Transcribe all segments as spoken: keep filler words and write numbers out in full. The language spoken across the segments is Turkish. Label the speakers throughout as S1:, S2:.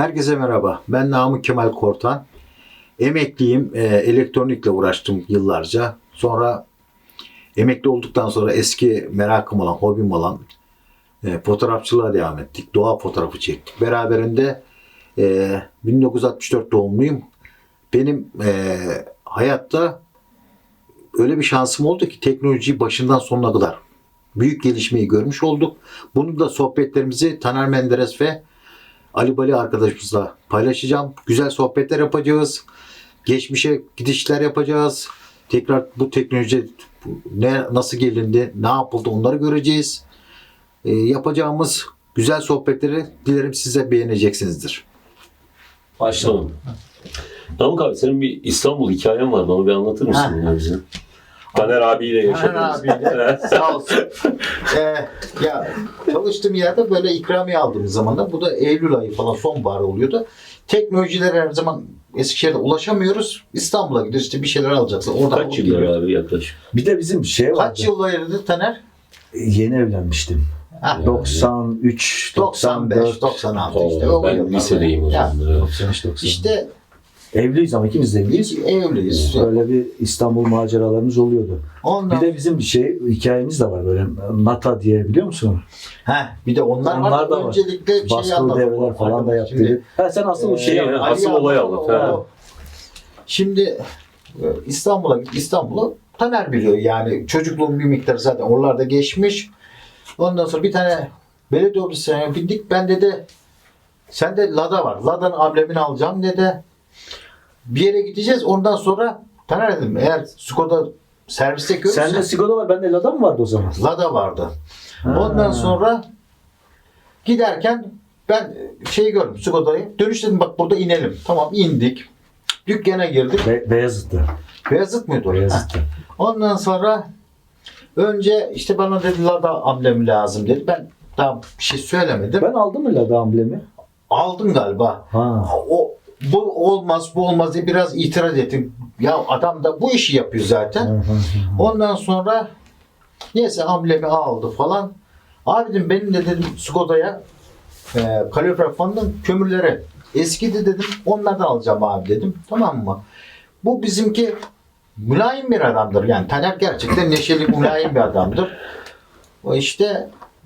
S1: Herkese merhaba. Ben Namık Kemal Kortan. Emekliyim. E, elektronikle uğraştım yıllarca. Sonra emekli olduktan sonra eski merakım olan, hobim olan e, fotoğrafçılığa devam ettik. Doğa fotoğrafı çektik. Beraberinde e, bin dokuz yüz altmış dört doğumluyum. Benim e, hayatta öyle bir şansım oldu ki teknolojiyi başından sonuna kadar büyük gelişmeyi görmüş olduk. Bunu da sohbetlerimizi Taner Menderes ve Ali Bali arkadaşımızla paylaşacağım. Güzel sohbetler yapacağız. Geçmişe gidişler yapacağız. Tekrar bu teknoloji ne nasıl gelindi, ne yapıldı onları göreceğiz. E, yapacağımız güzel sohbetleri dilerim size beğeneceksinizdir.
S2: Başlayalım. Namık abi senin bir İstanbul hikayen var. Bana bir anlatır mısın ya bize? Taner abiyle yaşadınız.
S1: Taner abiyle sağ olsun. Ee, ya çalıştığım yerde böyle ikramiye aldığımız zaman da bu da Eylül ayı falan sonbahar oluyordu. Teknolojilere her zaman Eskişehir'de ulaşamıyoruz. İstanbul'a gidiyoruz işte bir şeyler alacaksın. Oradan
S2: Kaç yıllar abi yaklaşık?
S3: Bir de bizim şey vardı.
S1: Kaç yıl ayırdı Taner?
S3: Yeni evlenmiştim.
S1: Ha,
S3: doksan üç, doksan
S1: doksan beş,
S3: dört.
S1: doksan altı
S2: Oo,
S1: işte. O
S2: ben
S1: yıllarda.
S2: lisedeyim o
S1: Ya,
S2: zaman. Evet.
S3: doksan üç, doksan.
S1: İşte
S3: Evliyiz ama ikimiz de evliyiz.
S1: biz evliyiz.
S3: Böyle bir İstanbul maceralarımız oluyordu.
S1: Ondan,
S3: Bir de bizim bir şey hikayemiz de var böyle Nata diye biliyor musun?
S1: heh, bir de onlar,
S3: Onlar
S1: var.
S3: da var.
S1: Öncelikle bir şey
S3: Baskılı
S1: anlatalım.
S3: devreler falan da
S1: Şimdi,
S3: yaptı. Ha sen asıl o
S1: Ee,
S3: şeyi
S2: Şey,
S3: anlat.
S2: asıl
S1: Ali
S2: olay
S1: anlat,
S2: anlat,
S1: o-
S2: ha.
S1: o- Şimdi e, İstanbul'a git. İstanbul'u Taner biliyor yani çocukluğum bir miktar zaten oralarda geçmiş. Ondan sonra bir tane belediye otobüsüne bindik. Ben dedi sende Lada var. Lada'nın amblemini alacağım dedi. Bir yere gideceğiz. Ondan sonra Taner dedim eğer Skoda serviste görürsen
S3: Sende Skoda var, bende Lada mı vardı o zaman?
S1: Lada vardı.
S3: Ha.
S1: Ondan sonra giderken ben şeyi gördüm Skoda'yı. Dönüş dedim bak burada inelim. Tamam indik. Dükkana girdik.
S3: Be- Beyazıt'ta.
S1: Beyazıt mıydı o?
S3: Beyazıt'ta.
S1: Ha. Ondan sonra önce işte bana dedi Lada amblemi lazım dedi. Ben daha bir şey söylemedim.
S3: Ben aldım mı Lada amblemi?
S1: Aldım galiba.
S3: Ha.
S1: O bu olmaz bu olmaz diye biraz itiraz ettim. Ya adam da bu işi yapıyor zaten.
S3: Hı hı hı.
S1: Ondan sonra neyse amblemi aldı falan. Abi dedim benim de dedim Skoda'ya e, kalorifer fanının kömürleri eskidi dedim. Onlardan alacağım abi dedim. Tamam mı? Bu bizimki mülayim bir adamdır. Yani Taner gerçekten neşeli mülayim bir adamdır. O işte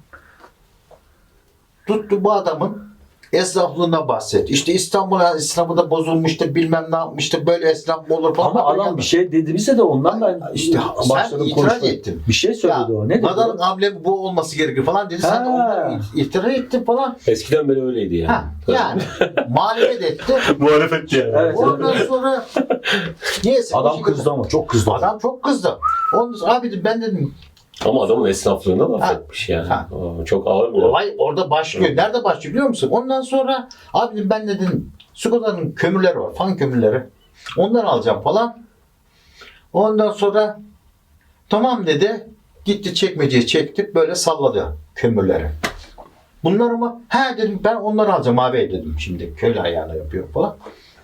S1: tuttu bu adamın esnaflığına bahsetti. İşte İstanbul esnafı da bozulmuştu bilmem ne yapmıştı. Böyle esnaf mı olur falan.
S3: Ama adam bir şey dedi bize de ondan ben
S1: İşte
S3: başladım
S1: sen itiraz
S3: konuşmaya.
S1: ettin.
S3: Bir şey söyledi
S1: Ya,
S3: o. Ne dedi?
S1: Lada'nın amblemi bu olması gerekir falan dedi. Sen de
S3: Ha.
S1: ondan itiraz ettin falan.
S2: Eskiden beri öyleydi yani.
S1: Ha, yani muhalefet etti.
S2: Muhalefet yani.
S3: Evet.
S1: Ondan sonra neyse.
S3: Adam
S1: bu şekilde-
S3: kızdı ama çok kızdı.
S1: Adam çok kızdı. Ondan sonra abi dedim, ben dedim
S2: Ama adamın esnaflığına laf
S1: Ha.
S2: etmiş yani.
S1: Ha.
S2: Aa, çok ağır bir laf.
S1: olay orada başlıyor. Nerede başlıyor biliyor musun? Ondan sonra abi dedim, ben dedim Skoda'nın kömürleri var. Fan kömürleri. Ondan alacağım falan. Ondan sonra tamam dedi. Gitti çekmeceyi çekti. Böyle salladı kömürleri. Bunlar mı? He dedim ben onları alacağım abi dedim. Şimdi köylü ayağına yapıyor falan.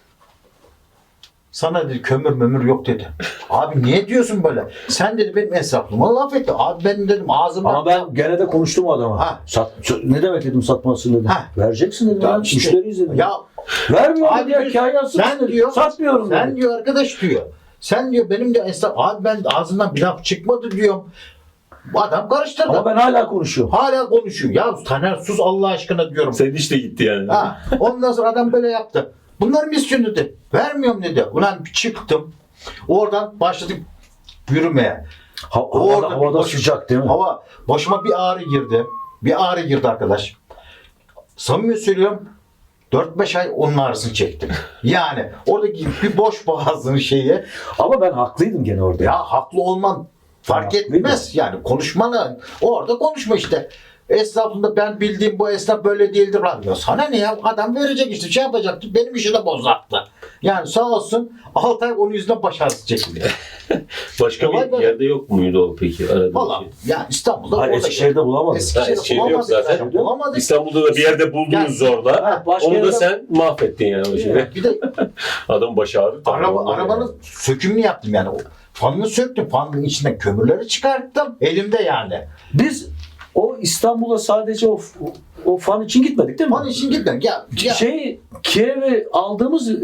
S1: Sana dedi kömür mömür yok dedi. Abi niye diyorsun böyle? Sen dedi benim hesaplıma laf etti. Abi ben dedim ağzımdan...
S3: Ama ben gene de konuştum o adama.
S1: Ha.
S3: Sat, ne demek dedim satmasın dedim.
S1: Ha.
S3: Vereceksin dedim.
S1: Ya
S3: Ya,
S1: işte-
S3: Müşteriyiz dedim.
S1: Ya
S3: Vermiyorum
S1: Abi
S3: diyor.
S1: diyor,
S3: Kahyası
S1: sen diyor,
S3: Satmıyorum
S1: sen
S3: dedim.
S1: diyor arkadaş diyor. Sen diyor benim de esnaf... Abi ben ağzımdan bir laf çıkmadı diyorum. Bu adam karıştırdı.
S3: Ama ben hala konuşuyorum.
S1: Hala konuşuyor. Ya Taner sus Allah aşkına diyorum.
S2: Senin iş de gitti yani.
S1: Ha, ondan sonra adam böyle yaptı. Bunlar mı istiyorsun dedi. Vermiyorum dedi. Ulan çıktım. Oradan başladık yürümeye.
S3: Ha,
S1: Orada
S3: havada, havada
S1: boş-
S3: sıcak değil mi?
S1: Hava başıma bir ağrı girdi. Bir ağrı girdi arkadaş. Samimi söylüyorum. dört beş ay onun ağrısını çektim. Yani oradaki bir boş boğazın şeyi.
S3: Ama ben haklıydım gene orada.
S1: Ya haklı olman fark
S3: Haklıydı.
S1: etmez. Yani konuşmanı orada konuşma işte. Esnafında ben bildiğim bu esnaf böyle değildir lan diyor. Sana ne ya? Adam verecek işte şey yapacaktı. Benim işi de bozattı. Yani sağ olsun altı ay onun yüzünden baş ağrısı çekti.
S2: Başka
S1: Olay
S2: bir
S1: böyle.
S2: yerde yok muydu o peki? Aradığın
S1: Valla
S2: şey?
S1: yani İstanbul'da
S3: Hayır,
S1: orada-
S3: Eskişehir'de bulamadım.
S1: Eskişehir'de
S2: Eskişehir'de yok
S1: bulamadık
S2: zaten.
S1: zaten. Bulamadık.
S2: İstanbul'da da bir yerde buldunuz
S1: Yani-
S2: zorla.
S3: Ha, başka
S2: Onu da
S3: yerde-
S2: sen mahvettin yani o şeyi.
S1: Bir de
S2: Adam başı ağrı.
S1: araba, arabanın sökümünü yaptım yani. O fanını söktüm. Fanın içinden kömürleri çıkarttım. Elimde yani.
S3: Biz o İstanbul'a sadece o, o o fan için gitmedik değil mi?
S1: Fan için gitmedik. Ya, ya
S3: Şey Kiev'e aldığımız e,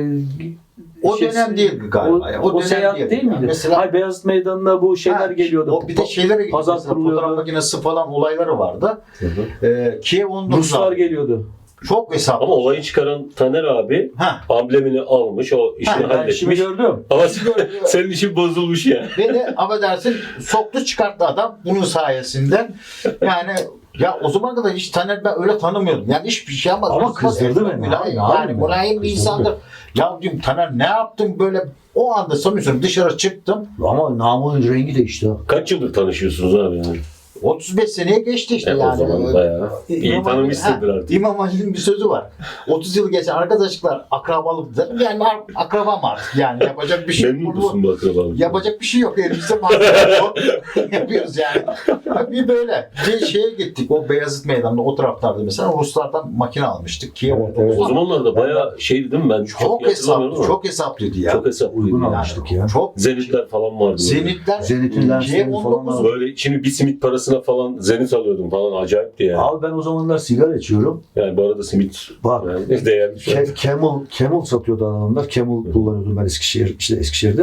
S1: o
S3: şeysi-
S1: dönem değil galiba.
S3: O,
S1: ya.
S3: o,
S1: dönem
S3: seyahat değil,
S1: Yani
S3: miydi?
S1: Mesela
S3: Hayır, Beyazıt Meydanı'na bu şeyler
S1: Ha,
S3: geliyordu.
S1: O bir de şeylere gidiyor.
S3: Pazar
S1: Mesela
S3: kuruluyordu.
S1: fotoğraf makinesi falan olayları vardı. Ee, Kiev on dokuz
S3: Ruslar
S1: aldı.
S3: geliyordu.
S1: Çok hesaplı.
S2: Ama olayı çıkaran Taner abi
S1: Ha.
S2: amblemini almış, o işini
S1: Ha,
S3: Ben işimi
S2: halletmiş.
S3: gördüm.
S2: Ama senin işin bozulmuş ya.
S1: Beni affedersin soktu çıkarttı adam bunun sayesinden. Yani ya o zaman kadar hiç Taner ben öyle tanımıyordum. Yani hiçbir şey ama
S3: Ama kızdırdı beni.
S1: Mülayim,
S3: Abi,
S1: yani
S3: abi,
S1: mülayim bir
S3: kızdırdı.
S1: insandır. Ya diyorum Taner ne yaptın böyle o anda sanıyorsun dışarı çıktım.
S3: Ama namının rengi değişti. ha.
S2: Kaç yıldır tanışıyorsunuz abi yani?
S1: otuz beş seneye geçti işte
S2: E,
S1: yani.
S2: o zaman bayağı iyi
S1: İmam Ali-
S2: tanımışsındır
S1: ha,
S2: artık.
S1: İmam Ali'nin bir sözü var. otuz yıl geçen arkadaşlıklar akrabalık derim. Yani ar- akrabam artık yani yapacak bir şey yok.
S2: Memnun musun bu akrabalıktan?
S1: Yapacak bir şey yok elimizde malzeme yok. Yapıyoruz yani. Bir böyle. Bir şeye gittik o Beyazıt Meydanı'nda o taraflarda mesela Ruslardan makine almıştık. Kiev
S3: Evet, evet.
S2: O zamanlarda bayağı şeydi değil mi? Ben çok,
S1: çok
S2: iyi hatırlamıyorum
S1: hesaplı,
S2: ama.
S1: çok hesaplıydı ya.
S2: Çok hesaplıydı.
S3: Uygun
S2: Yani.
S3: almıştık ya.
S1: Çok
S2: Zenitler falan vardı. böyle.
S1: Zenitler
S3: Zenit'in
S1: Kiev
S3: lensleri
S1: on
S3: falan
S1: dokuz
S3: var.
S2: Böyle şimdi bir simit parasına falan zenit alıyordum falan, acayipti yani.
S3: Abi ben o zamanlar sigara içiyorum.
S2: Yani bu arada simit
S3: Bak.
S2: yani değerli şu an.
S3: Ke- Camel, Camel satıyordu adamlar. Camel kullanıyordum ben Eskişehir, işte Eskişehir'de.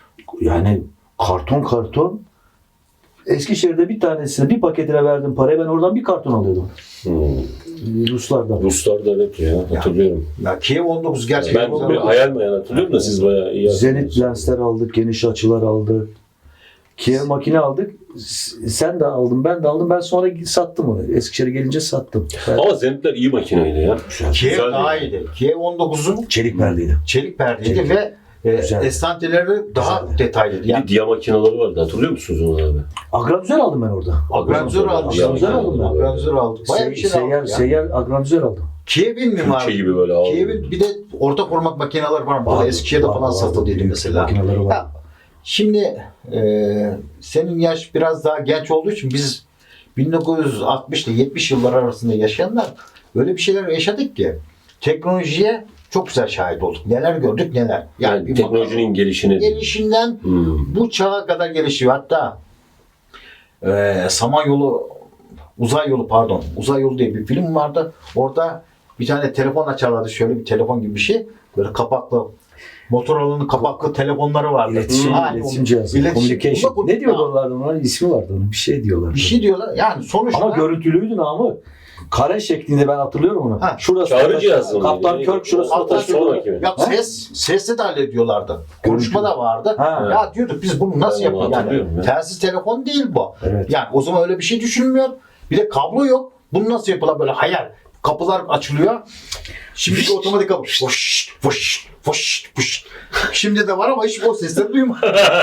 S3: Yani karton karton. Eskişehir'de bir tanesine, bir paketine verdim parayı. Ben oradan bir karton alıyordum.
S2: Hmm.
S3: Ruslardan.
S2: Ruslar da evet ya, hatırlıyorum.
S1: ya Kiev on dokuz gerçekten
S2: Ben bir hayal meyal hatırlıyorum da siz bayağı iyi
S3: Zenit
S2: hatırlıyorsunuz.
S3: lensler aldık, geniş açılar aldık. Kiev makine aldık. S- Sen de aldın, ben de aldım. Ben sonra sattım onu. Eskişehir'e gelince sattım. Ben-
S2: Ama zenitler iyi makineydi ya.
S1: Kiev
S2: Güzel
S1: daha
S2: değil.
S1: iyiydi. Kiev on dokuzun
S3: Çelik perdeydi.
S1: çelik perdeydi
S3: Çelik.
S1: ve e,
S3: Güzel.
S1: estanteleri daha
S3: Güzeldi.
S1: detaylıydı.
S2: Bir
S1: Yani
S2: de diya makineleri vardı, hatırlıyor musunuz onu abi?
S3: Agranüzer aldım ben orada.
S1: agranzör almışlar.
S3: Agranüzer aldım ben.
S1: Agranzör aldık. Bayağı bir
S3: Se-
S1: şey
S3: seyyar,
S1: aldık ya.
S3: seyyar agranüzer aldım.
S1: Kiev'in mi var?
S2: Türkçe gibi böyle ağır.
S1: Kiev'in bir de orta format makineler var. Burada
S3: Vardı,
S1: Eskişehir'de
S3: vardı,
S1: falan
S3: vardı.
S1: satıldıydı
S3: Büyük
S1: mesela.
S3: makineleri var.
S1: Ya, şimdi e, senin yaş biraz daha genç olduğu için biz bin dokuz yüz altmış ile yetmiş yıllar arasında yaşayanlar öyle bir şeyler yaşadık ki teknolojiye çok güzel şahit olduk. Neler gördük neler.
S2: Yani
S1: bir
S2: teknolojinin gelişine.
S1: bakalım. gelişinden
S2: Hmm.
S1: bu çağa kadar gelişiyor. Hatta e, Samanyolu Uzay Yolu pardon. Uzay Yolu diye bir film vardı. Orada bir tane telefon açarlardı. Şöyle bir telefon gibi bir şey. Böyle kapaklı Motorola'nın kapaklı telefonları vardı.
S3: İletişim,
S1: Ha,
S3: iletişim
S1: o-
S3: cihazı.
S1: iletişim.
S3: Communication.
S1: Bu da-
S3: Ne diyorlar onlardan? Onların ismi vardı onun. Bir şey diyorlar.
S1: Bir şey diyorlar. Yani sonuçta
S3: Ama görüntülüydü namı. Kare şeklinde ben hatırlıyorum onu.
S1: Ha.
S3: Şurası
S2: Çağrı
S3: taşı-
S2: cihazı mı?
S3: Kaptan
S2: Neydi?
S3: Kirk şurası
S1: Kaptan
S3: taşı-
S1: Kirk-
S2: sonraki mi?
S1: ya
S3: Ha?
S1: ses sesle de hallediyorlardı. Konuşma da vardı.
S3: Ha.
S1: Ya diyorduk biz bunu nasıl
S2: Ben onu
S1: yapalım? Yani
S2: hatırlıyorum ya.
S1: telsiz telefon değil bu.
S3: Evet.
S1: Yani o zaman öyle bir şey düşünmüyor. Bir de kablo yok. Bunu nasıl yapılan böyle hayal. Kapılar açılıyor. Şimdiki otomatik kapı. Fış, fış, fış, fış. Şimdi de var ama hiç o sesleri duymadım.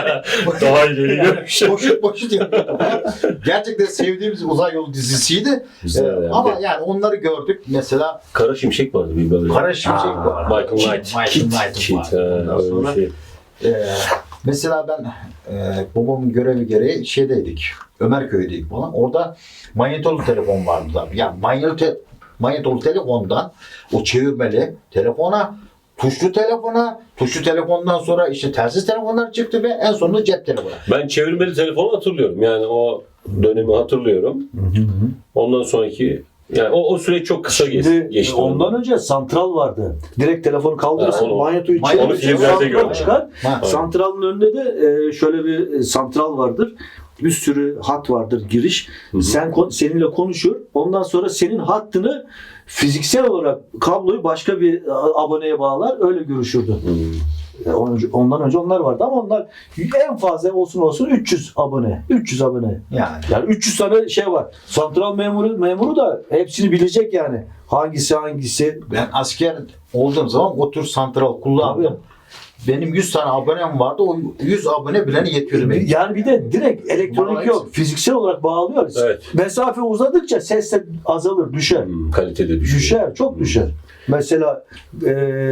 S2: Daha ileri görmüş.
S1: Boşut boşut yapıyordum. Gerçekten sevdiğimiz uzay yolu dizisiydi.
S2: Güzel
S1: Ee,
S2: yani.
S1: ama yani onları gördük. Mesela
S2: Kara Şimşek vardı bir böyle.
S1: Kara Şimşek
S3: Aa,
S1: var.
S2: Michael
S1: Kit,
S2: Knight.
S1: Michael
S2: Kit,
S1: Knight
S2: Kit,
S1: var.
S2: ha,
S1: Ondan
S2: öyle
S1: sonra,
S2: bir şey.
S1: e, mesela ben e, babamın görevi gereği şeydeydik. Ömerköy'deydik falan. Orada manyetolu telefon vardı da. Yani manyetolu, te- manyetolu telefondan o çevirmeli telefona, tuşlu telefona, tuşlu telefondan sonra işte telsiz telefonlar çıktı ve en sonunda cep telefonu.
S2: Ben çevirmeli telefonu hatırlıyorum. Yani o dönemi hatırlıyorum.
S3: Hı hı hı.
S2: Ondan sonraki yani o, o süreç çok kısa geç-
S3: Şimdi
S2: geçti.
S3: ondan önce santral vardı. Direkt telefonu kaldırırsın,
S2: Ha, onu-
S3: manyetoyu
S1: Onu
S3: çevirirsin,
S2: filmlerde
S3: santral
S2: gördüm.
S3: çıkar.
S1: Ha.
S3: Santralın önünde de e, şöyle bir e, santral vardır. Bir sürü hat vardır giriş.
S2: Hı hı.
S3: Sen kon- seninle konuşur. Ondan sonra senin hattını fiziksel olarak kabloyu başka bir e, aboneye bağlar. Öyle görüşürdü.
S2: Hmm.
S3: E, on- Ondan önce onlar vardı ama onlar en fazla olsun olsun üç yüz abone. üç yüz abone.
S1: Yani.
S3: Yani üç yüz tane şey var. Santral memuru memuru da hepsini bilecek yani. Hangisi hangisi.
S1: Ben asker olduğum zaman o tür santral kullandım. Benim yüz tane abonem vardı. O yüz abone bileni yetiyordu benim.
S3: Yani bir de direkt elektronik
S1: Bana
S3: yok. Fiziksel olarak bağlıyoruz.
S2: Evet.
S3: Mesafe uzadıkça ses de azalır, düşer.
S2: Hmm, kalitede düşüyor.
S3: Düşer, çok düşer. Mesela e,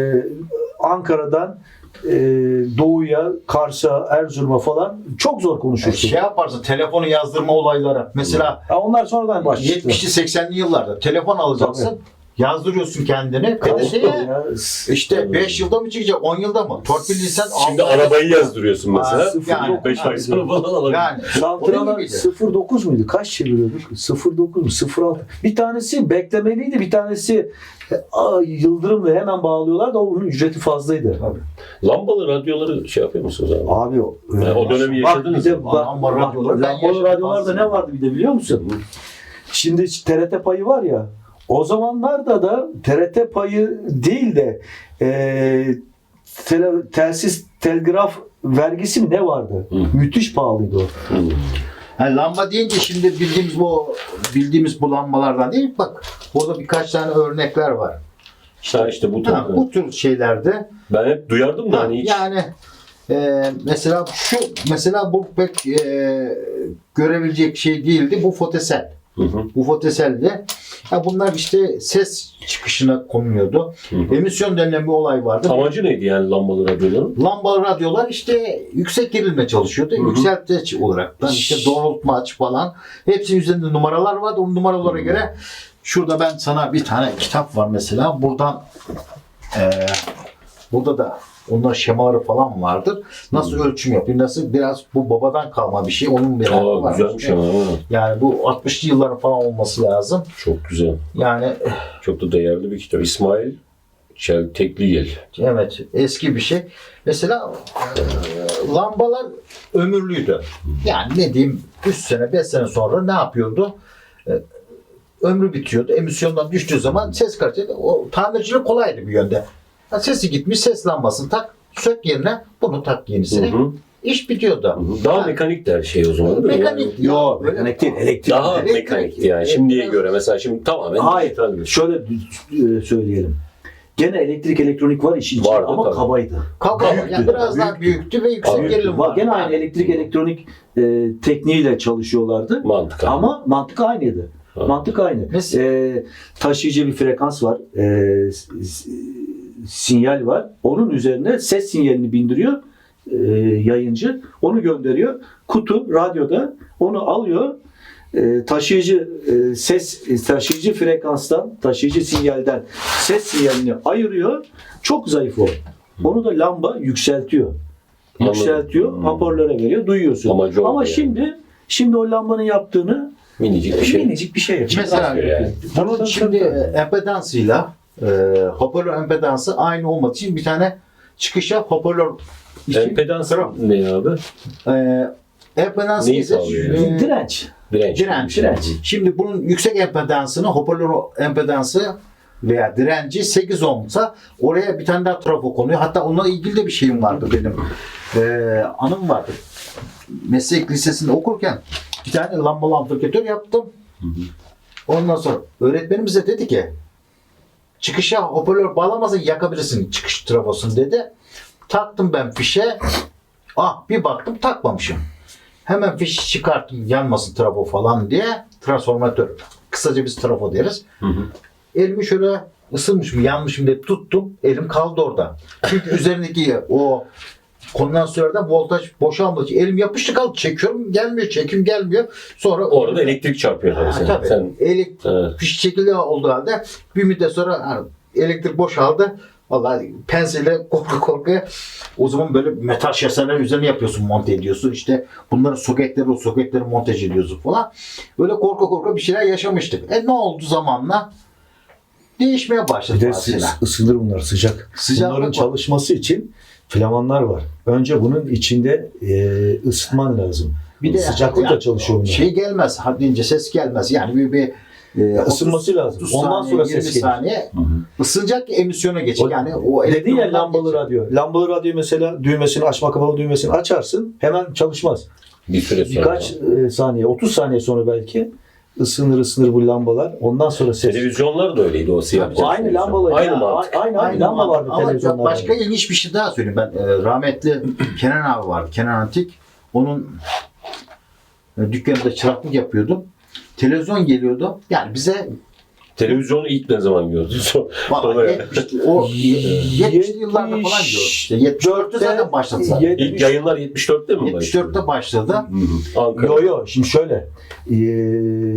S3: Ankara'dan e, Doğu'ya, Kars'a, Erzurum'a falan çok zor
S1: Yani
S3: konuşursun.
S1: şey yaparsın telefonu yazdırma olayları. Mesela
S3: Ha, onlar sonradan başladı.
S1: yetmişli seksenli yıllarda telefon alacaksın.
S3: Tabii.
S1: Yazdırıyorsun kendini.
S3: Kaç
S1: P D S'ye
S3: ya?
S1: işte beş yılda mı çıkacak? on yılda mı? Torpilliysen
S2: Şimdi
S1: altı ayda-
S2: arabayı yazdırıyorsun mesela.
S1: Aa, yani-
S2: beş ay sonra falan alabilir.
S1: Yani
S3: Santralar
S1: miydi?
S3: sıfır virgül dokuz muydu? Kaç çeviriyorduk? sıfır virgül dokuz mu? sıfır virgül altı. Bir tanesi beklemeliydi. Bir tanesi e, a, yıldırımla hemen bağlıyorlar da onun ücreti fazlaydı.
S2: Lambalı radyoları şey yapıyor musunuz abi?
S3: Abi o,
S2: Yani o dönemi
S3: bak
S2: yaşadınız
S3: bir de
S2: mı?
S3: bak,
S1: Lamba
S3: bak,
S1: radyoları ben
S3: lambalı
S1: yaşadım
S3: radyolarda
S1: aslında.
S3: ne vardı bir de biliyor musun? Şimdi T R T payı var ya, o zamanlarda da T R T payı değil de e, tele, telsiz telgraf vergisi mi ne vardı?
S2: Hı.
S3: Müthiş pahalıydı o.
S2: Hı.
S1: Yani lamba deyince şimdi bildiğimiz bu bildiğimiz bu lambalardan değil. Bak burada birkaç tane örnekler var.
S2: Ha işte bu tür.
S1: Ha, bu tür şeylerde
S2: Ben hep duyardım da
S1: ha,
S2: hani hiç.
S1: yani e, mesela şu mesela bu pek e, görebilecek şey değildi. Bu fotosel.
S2: Hı hı.
S1: Bu fotoselde ha bunlar işte ses çıkışına konuluyordu.
S2: Hı hı.
S1: Emisyon denilen bir olay vardı.
S2: Amacı neydi yani lambalı radyoların?
S1: Lambalı radyolar işte yüksek gerilimle çalışıyordu.
S2: Hı hı.
S1: Yükseltici olarak da işte doğrultmaç falan. Hepsinin üzerinde numaralar vardı. O numaralara göre şurada ben sana bir tane kitap var mesela. Buradan eee burada da onlar şemaları falan vardır. Nasıl ölçüm yapıyor? Nasıl biraz bu babadan kalma bir şey. Onun bir
S2: Aa
S1: var.
S2: güzelmiş ama. ha.
S1: Yani bu altmışlı yılların falan olması lazım.
S2: Çok güzel.
S1: Yani
S2: Çok da değerli bir kitap. İsmail Çeltekligil.
S1: evet eski bir şey. Mesela e, lambalar ömürlüydü. Yani ne diyeyim üç sene beş sene sonra ne yapıyordu? E, ömrü bitiyordu. Emisyondan düştüğü zaman ses kalitesi o tamircilik kolaydı bir yönde. Ha, sesi gitmiş ses lambasını tak sök yerine bunu tak yenisini.
S2: Hı hı.
S1: İş bitiyordu.
S2: Hı hı. Daha
S1: Ha,
S2: mekanik de her şey o zaman değil mi?
S1: Mekanik.
S2: Yani
S3: Yok
S1: Böyle-
S3: mekanik değil, elektrik.
S2: daha
S1: Elektrik.
S2: mekanikti yani şimdiye göre. Mesela şimdi tamamen
S3: Hayır.
S2: dijital bir-
S3: Şöyle e, söyleyelim. Gene elektrik elektronik var işin içinde
S2: Vardı
S3: ama
S2: tabii.
S3: kabaydı.
S1: Kaba,
S3: Büyüktü
S1: yani
S3: de,
S1: biraz daha büyüktü ve yüksek
S2: Büyüktü.
S1: gerilim
S3: Var.
S1: var.
S3: Gene aynı elektrik elektronik e, tekniğiyle çalışıyorlardı.
S2: mantık.
S3: Ama mantık aynıydı.
S2: Ha.
S3: Mantık aynı.
S1: Mes-
S3: E, taşıyıcı bir frekans var. E, s- s- sinyal var. Onun üzerine ses sinyalini bindiriyor e, yayıncı. Onu gönderiyor. Kutu radyoda onu alıyor. E, taşıyıcı e, ses taşıyıcı frekanstan, taşıyıcı sinyalden ses sinyalini ayırıyor. Çok zayıf o. Onu da lamba yükseltiyor.
S2: Anladım.
S3: Yükseltiyor,
S2: Hmm.
S3: hoparlöre veriyor, duyuyorsun.
S2: Amacı o
S3: Ama
S2: yani.
S3: şimdi şimdi o lambanın yaptığını
S2: Minicik bir şey.
S3: minicik bir şey yapıyor.
S1: Mesela
S2: Yani.
S1: bunun
S3: Tabii,
S1: şimdi
S3: tabii, tabii.
S1: empedansıyla e, hoparlör empedansı aynı olmadığı için bir tane çıkışa hoparlör için
S2: Empedans
S1: Tra-
S2: ne abi?
S1: e, empedans
S2: Neyi
S1: ise
S2: sağlıyor
S1: e,
S3: Direnç.
S2: Direnç.
S1: direnç.
S3: Direnç.
S1: Şimdi bunun yüksek empedansını hoparlör empedansı veya direnci sekiz ohmsa oraya bir tane daha trafo konuyor. Hatta onunla ilgili de bir şeyim vardı benim. E, anım vardı. Meslek lisesinde okurken bir tane lambalı amplifikatör yaptım. Ondan sonra öğretmenimiz de dedi ki çıkışa hoparlör bağlamazsan yakabilirsin çıkış trafosunu dedi. Taktım ben fişe. Ah bir baktım takmamışım. Hemen fişi çıkarttım yanmasın trafo falan diye. Transformatör. Kısaca biz trafo deriz.
S2: Hı hı.
S1: Elimi şöyle ısınmışım yanmışım diye tuttum. Elim kaldı orada. Çünkü üzerindeki o kondansatörden voltaj boşalmadığı için elim yapıştı kaldı. Çekiyorum gelmiyor. Çekim gelmiyor. Sonra
S2: Orada elektrik çarpıyor tabii
S1: Ha,
S2: sen.
S1: tabii.
S2: sen
S1: Elektrik
S2: Evet.
S1: fiş şekilde olduğu halde bir müddet sonra ha, elektrik boşaldı. Vallahi penseyle korku korkuya o zaman böyle metal şaseler üzerine yapıyorsun, monte ediyorsun. İşte bunların soketleri, o soketleri montaj ediyorsun falan. Böyle korku korku bir şeyler yaşamıştık. E ne oldu zamanla? Değişmeye başladı
S3: Bir de
S1: mesela.
S3: sı- ısınır bunlar sıcak.
S1: Sıcaklık
S3: Bunların
S1: var.
S3: çalışması için flamanlar var. Önce bunun içinde e, ısıtman lazım.
S1: Bir de
S3: sıcaklıkla
S1: yani
S3: çalışıyor bunlar.
S1: Şey gelmez, haddince ses gelmez. Yani bir, bir e,
S3: Isınması
S1: otuz,
S3: lazım.
S1: otuz
S3: Ondan
S1: saniye,
S3: sonra
S1: yirmi
S3: ses gelir.
S1: saniye ısınacak ki emisyona geçecek.
S3: O-
S1: Yani o
S3: Dedin ya
S1: elektronlar
S3: lambalı
S1: geçecek.
S3: radyo. Lambalı radyo mesela düğmesini açma kapalı düğmesini açarsın hemen çalışmaz.
S2: bir süre sonra.
S3: Birkaç e, saniye otuz saniye sonra belki ısınır ısınır bu lambalar. Ondan sonra ses.
S2: Televizyonlar da öyleydi o siyah.
S1: Tabii,
S2: beyaz
S3: Aynı
S2: televizyon.
S3: lambalar.
S2: Aynı
S3: ya,
S2: mantık.
S3: Aynı, aynı, lamba vardı
S1: Ama
S3: televizyonlarda.
S1: başka ilginç bir şey daha söyleyeyim. Ben e, rahmetli Kenan abi vardı. Kenan Antik. Onun e, dükkanında çıraklık yapıyordum. Televizyon geliyordu. Yani bize
S2: Televizyonu ilk ne zaman gördün?
S1: vallahi yetmiş, o yetmişli yıllarda falan gördüm. İşte yetmiş dörtte zaten başladı zaten.
S3: yetmiş
S2: İlk yayınlar yetmiş dörtte mi
S1: yetmiş dörtte başladı.
S2: Hı hı. Ankara.
S3: Yo yo şimdi şöyle. Ee,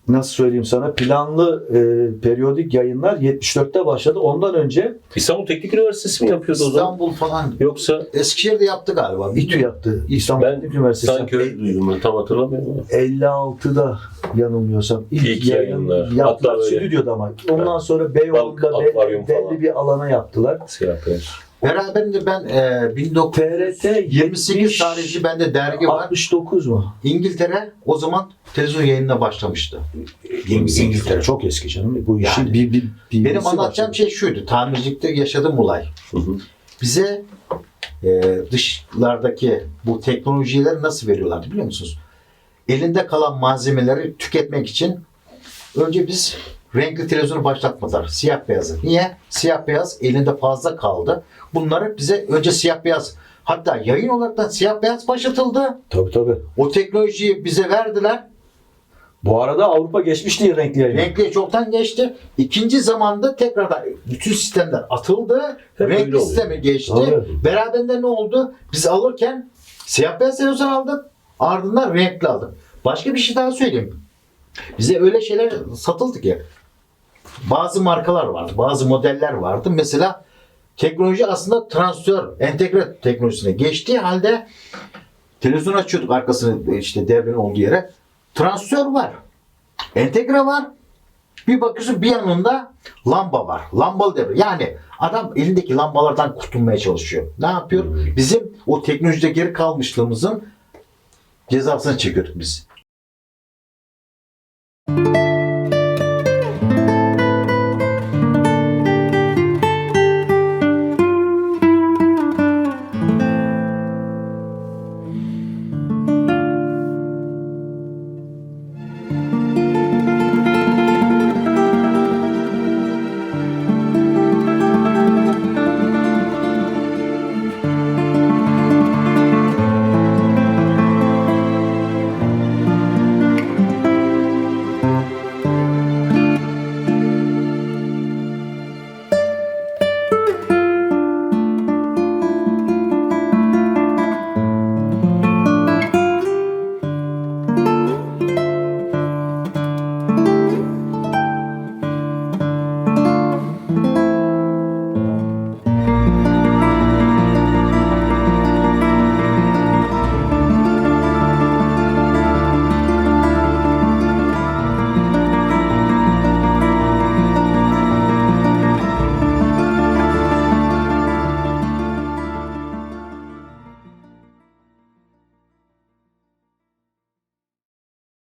S3: nasıl söyleyeyim sana, planlı e, periyodik yayınlar yetmiş dörtte başladı. Ondan önce
S2: İstanbul Teknik Üniversitesi mi yapıyordu o zaman?
S1: İstanbul falan.
S2: Yoksa
S1: Eskişehir'de yaptı galiba.
S3: İTÜ yaptı. İstanbul
S2: ben
S3: Teknik Üniversitesi.
S2: sanki öyle duydum, ben tam hatırlamıyorum.
S3: elli altıda yanılmıyorsam ilk,
S2: İlk
S3: yayın
S2: yayınlar.
S3: yaptılar
S2: Hatta böyle-
S3: stüdyoda ama. Ondan sonra Beyoğlu'nda
S2: Bak,
S3: belli,
S2: akvaryum
S3: belli
S2: falan.
S3: bir alana yaptılar.
S2: Siyah beyaz.
S1: Beraberinde ben e, bin dokuz yüz
S3: T R T
S1: yirmi sekiz tarihli bende dergi var.
S3: altmış dokuz mu?
S1: İngiltere o zaman televizyon yayınına başlamıştı. İngiltere.
S3: Çok eski canım. Bu işin
S1: Yani.
S3: bir, bir, bir
S1: Benim anlatacağım şey şuydu. Tamircilikte yaşadığım olay.
S2: Hı hı.
S1: Bize e, dışlardaki bu teknolojileri nasıl veriyorlardı biliyor musunuz? Elinde kalan malzemeleri tüketmek için önce biz renkli televizyonu başlatmadılar. Siyah beyazı. Niye? Siyah beyaz elinde fazla kaldı. Bunları bize önce siyah beyaz, hatta yayın olarak da siyah beyaz başlatıldı.
S3: Tabii tabii.
S1: O teknolojiyi bize verdiler.
S3: Bu arada Avrupa geçmişti renkli yayına.
S1: Renkli çoktan geçti. İkinci zamanda tekrardan bütün sistemler atıldı.
S2: Hep öyle
S1: Renkli
S2: oluyor.
S1: sistemi geçti.
S3: Tabii.
S1: Beraberinde ne oldu? Biz alırken siyah beyaz televizyon aldık. Ardından renkli aldık. Başka bir şey daha söyleyeyim. Bize öyle şeyler satıldı ki. Bazı markalar vardı. Bazı modeller vardı. Mesela teknoloji aslında transistör, entegre teknolojisine geçtiği halde televizyon açıyorduk arkasını işte devrenin olduğu yere. Transistör var. Entegre var. Bir bakıyorsun bir yanında lamba var. Lambalı devre. Yani adam elindeki lambalardan kurtulmaya çalışıyor. Ne yapıyor? Bizim o teknolojide geri kalmışlığımızın cezasını çekiyorduk biz.